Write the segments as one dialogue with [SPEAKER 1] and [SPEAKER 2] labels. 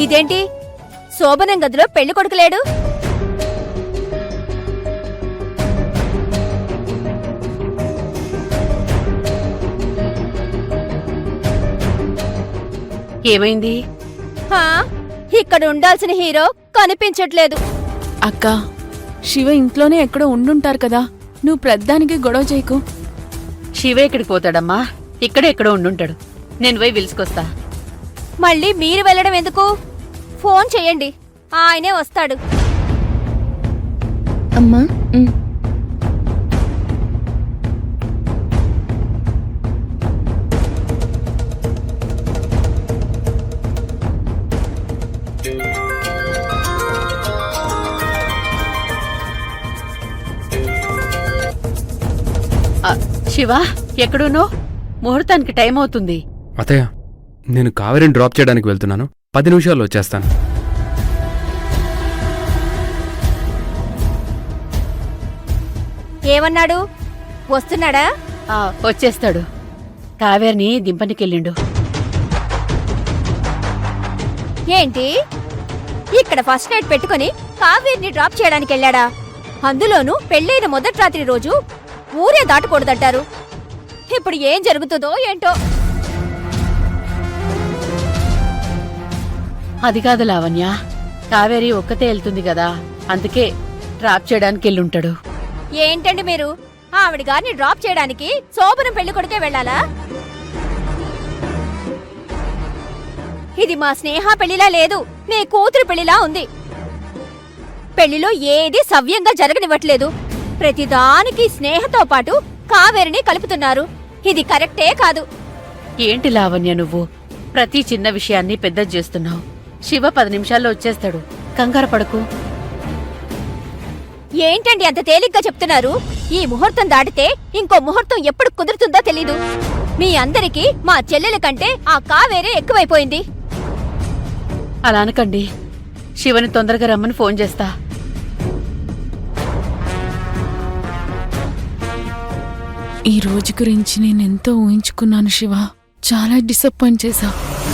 [SPEAKER 1] ఇదేంటి శోభనం గదిలో పెళ్లి కొడుకులేడు?
[SPEAKER 2] ఏమైంది?
[SPEAKER 1] ఇక్కడ ఉండాల్సిన హీరో కనిపించట్లేదు.
[SPEAKER 3] అక్క, శివ ఇంట్లోనే ఎక్కడో ఉండుంటారు కదా, నువ్వు ప్రద్దానికి గొడవ చేయకు.
[SPEAKER 2] శివ ఎక్కడికి పోతాడమ్మా? ఇక్కడే ఎక్కడో ఉండుంటాడు. నేను పోయి పిలుచుకొస్తా.
[SPEAKER 1] మళ్ళీ మీరు వెళ్ళడం ఎందుకు? ఫోన్ చెయ్యండి, ఆయనే వస్తాడు.
[SPEAKER 3] అమ్మా,
[SPEAKER 2] శివ ఎక్కడునో? ముహూర్తానికి టైం అవుతుంది.
[SPEAKER 4] అత్తయ్య, నేను కావేరిని డ్రాప్ చేయడానికి వెళ్తున్నాను. 10 నిమిషాల్లో వచ్చేస్తాను.
[SPEAKER 1] ఏమన్నాడు? వస్తున్నాడా?
[SPEAKER 2] వచ్చేస్తాడు. కావేరిని దింపనికెళ్ళిండు.
[SPEAKER 1] ఏంటి, ఇక్కడ ఫస్ట్ నైట్ పెట్టుకుని కావేరిని డ్రాప్ చేయడానికి వెళ్ళాడా? అందులోనూ పెళ్ళైన మొదటి రాత్రి రోజు ఊరే దాటకూడదంటారు. ఇప్పుడు ఏం జరుగుతుందో ఏంటో.
[SPEAKER 2] అది కాదు లావణ్య, కావేరి ఒక్కతే వెళ్తుంది కదా, అందుకే డ్రాప్ చేయడానికి వెళ్ళుంటాడు.
[SPEAKER 1] ఏంటండి మీరు? ఆవిడ గారిని డ్రాప్ చేయడానికి శోభనం పెళ్లి కొడుకే వెళ్ళాలా? ఇది మా స్నేహ పెళ్లిలా లేదు, నీ కూతురు పెళ్లిలా ఉంది. పెళ్లిలో ఏది సవ్యంగా జరగనివ్వట్లేదు. ప్రతిదానికి స్నేహతో పాటు కావేరిని కలుపుతున్నారు. ఇది కరెక్టే కాదు.
[SPEAKER 2] ఏంటి లావణ్య నువ్వు ప్రతి చిన్న విషయాన్ని పెద్ద చేస్తున్నావు? శివ 10 నిమిషాల్లో వచ్చేస్తాడు, కంగారు పడకు.
[SPEAKER 1] ఏంటండి అంత తేలిగ్గా చెప్తున్నారు? ఈ ముహూర్తం దాటితే ఇంకో ముహూర్తం ఎప్పుడు కుదురుతుందో తెలీదు. మీ అందరికీ మా చెల్లెల కంటే ఆ కావేరే ఎక్కువైపోయింది.
[SPEAKER 2] అలా అనకండి. శివని తొందరగా రమ్మని ఫోన్ చేస్తా.
[SPEAKER 3] ఈ రోజు గురించి నేనెంతో ఊహించుకున్నాను శివ, చాలా డిసప్పాయింట్ చేశా.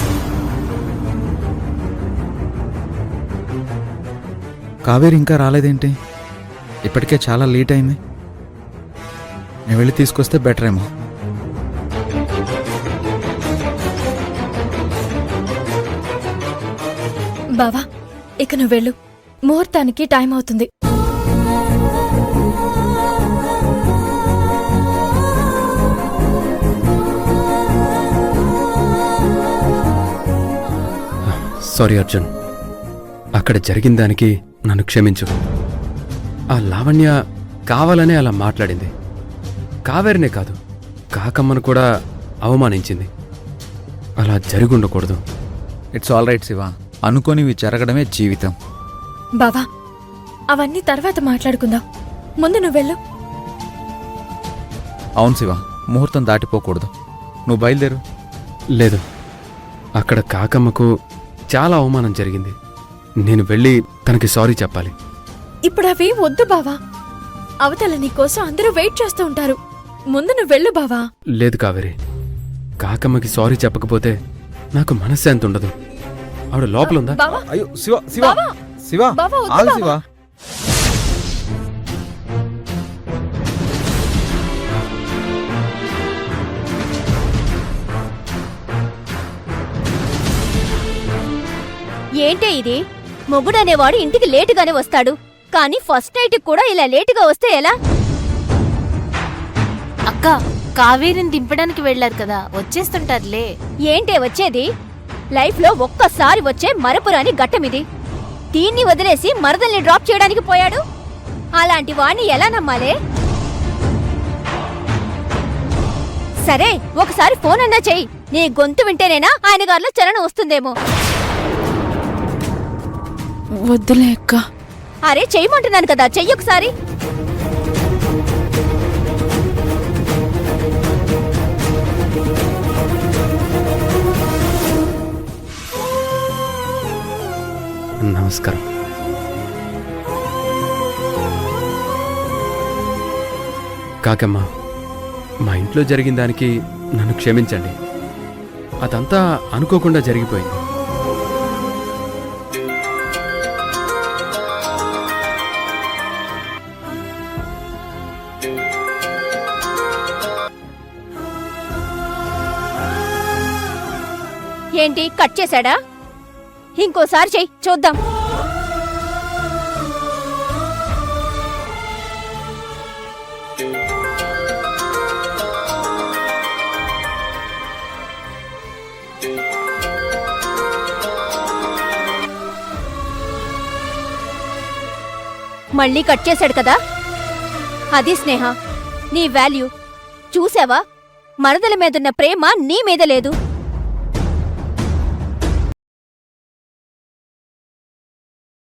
[SPEAKER 5] కావేరి ఇంకా రాలేదేంటి? ఇప్పటికే చాలా లేట్ అయింది. నేను వెళ్ళి తీసుకొస్తే బెటర్ ఏమో.
[SPEAKER 6] బావా, ఇక నువ్వు వెళ్ళు, ముహూర్తానికి టైం అవుతుంది.
[SPEAKER 4] సారీ అర్జున్, అక్కడ జరిగిన దానికి నన్ను క్షమించు. ఆ లావణ్య కావాలనే అలా మాట్లాడింది. కావేరినే కాదు, కాకమ్మను కూడా అవమానించింది. అలా జరిగుండకూడదు.
[SPEAKER 5] ఇట్స్ ఆల్ రైట్ శివ, అనుకోనివి జరగడమే జీవితం.
[SPEAKER 6] బావా, అవన్నీ తర్వాత మాట్లాడుకుందాం, ముందు నువ్వు వెళ్ళు.
[SPEAKER 5] అవును శివ, ముహూర్తం దాటిపోకూడదు. నువ్వు బయలుదేరు.
[SPEAKER 4] లేదు, అక్కడ కాకమ్మకు చాలా అవమానం జరిగింది. నేను వెళ్ళి తనకి సారీ చెప్పాలి.
[SPEAKER 6] ఇప్పుడు అవి వద్దు బావా, అవతల నీకోసం అందరూ వెయిట్ చేస్తూ ఉంటారు. ముందు నువ్వు వెళ్ళు బావా.
[SPEAKER 4] లేదు కావేరి, కాకమ్మకి సారీ చెప్పకపోతే నాకు మనశ్శాంతి ఉండదు. ఆవిడ లోపలుందా?
[SPEAKER 6] బావా,
[SPEAKER 5] అయ్యో శివ, శివ,
[SPEAKER 6] బావా,
[SPEAKER 5] శివ,
[SPEAKER 6] బావా, వద్దు
[SPEAKER 5] ఆగు
[SPEAKER 6] బావా.
[SPEAKER 5] శివ.
[SPEAKER 1] ఏంటే ఇది? మొగుడనేవాడు ఇంటికి లేటుగానే వస్తాడు, కానీ ఫస్ట్ నైట్ కూడా ఇలా లేటుగా వస్తే ఎలా?
[SPEAKER 7] అక్క, కావేరిని దింపడానికి వెళ్లారు కదా, వచ్చేస్తుంటారులే.
[SPEAKER 1] ఏంటే వచ్చేది? లైఫ్ లో ఒక్కసారి వచ్చే మరపురాని ఘట్టమిది. దీన్ని వదిలేసి మరదల్ని డ్రాప్ చేయడానికి పోయాడు. అలాంటి వాణ్ణి ఎలా నమ్మాలే? సరే, ఒకసారి ఫోన్ అన్నా చెయ్యి. నీ గొంతు వింటేనేనా ఆయన గారిలో చలనం వస్తుందేమో.
[SPEAKER 3] వద్దులే అక్క.
[SPEAKER 1] అరే చెయ్యమంటున్నాను కదా, చెయ్యొకసారి.
[SPEAKER 4] నమస్కారం. కాకమ్మ, మా ఇంట్లో జరిగిన దానికి నన్ను క్షమించండి. అదంతా అనుకోకుండా జరిగిపోయింది.
[SPEAKER 1] ఏంటి కట్ చేశాడా? ఇంకోసారి చెయ్యి చూద్దాం. మళ్ళీ కట్ చేశాడు కదా. అది స్నేహ నీ వాల్యూ చూసావా? మరదల మీదున్న ప్రేమ నీ మీద లేదు.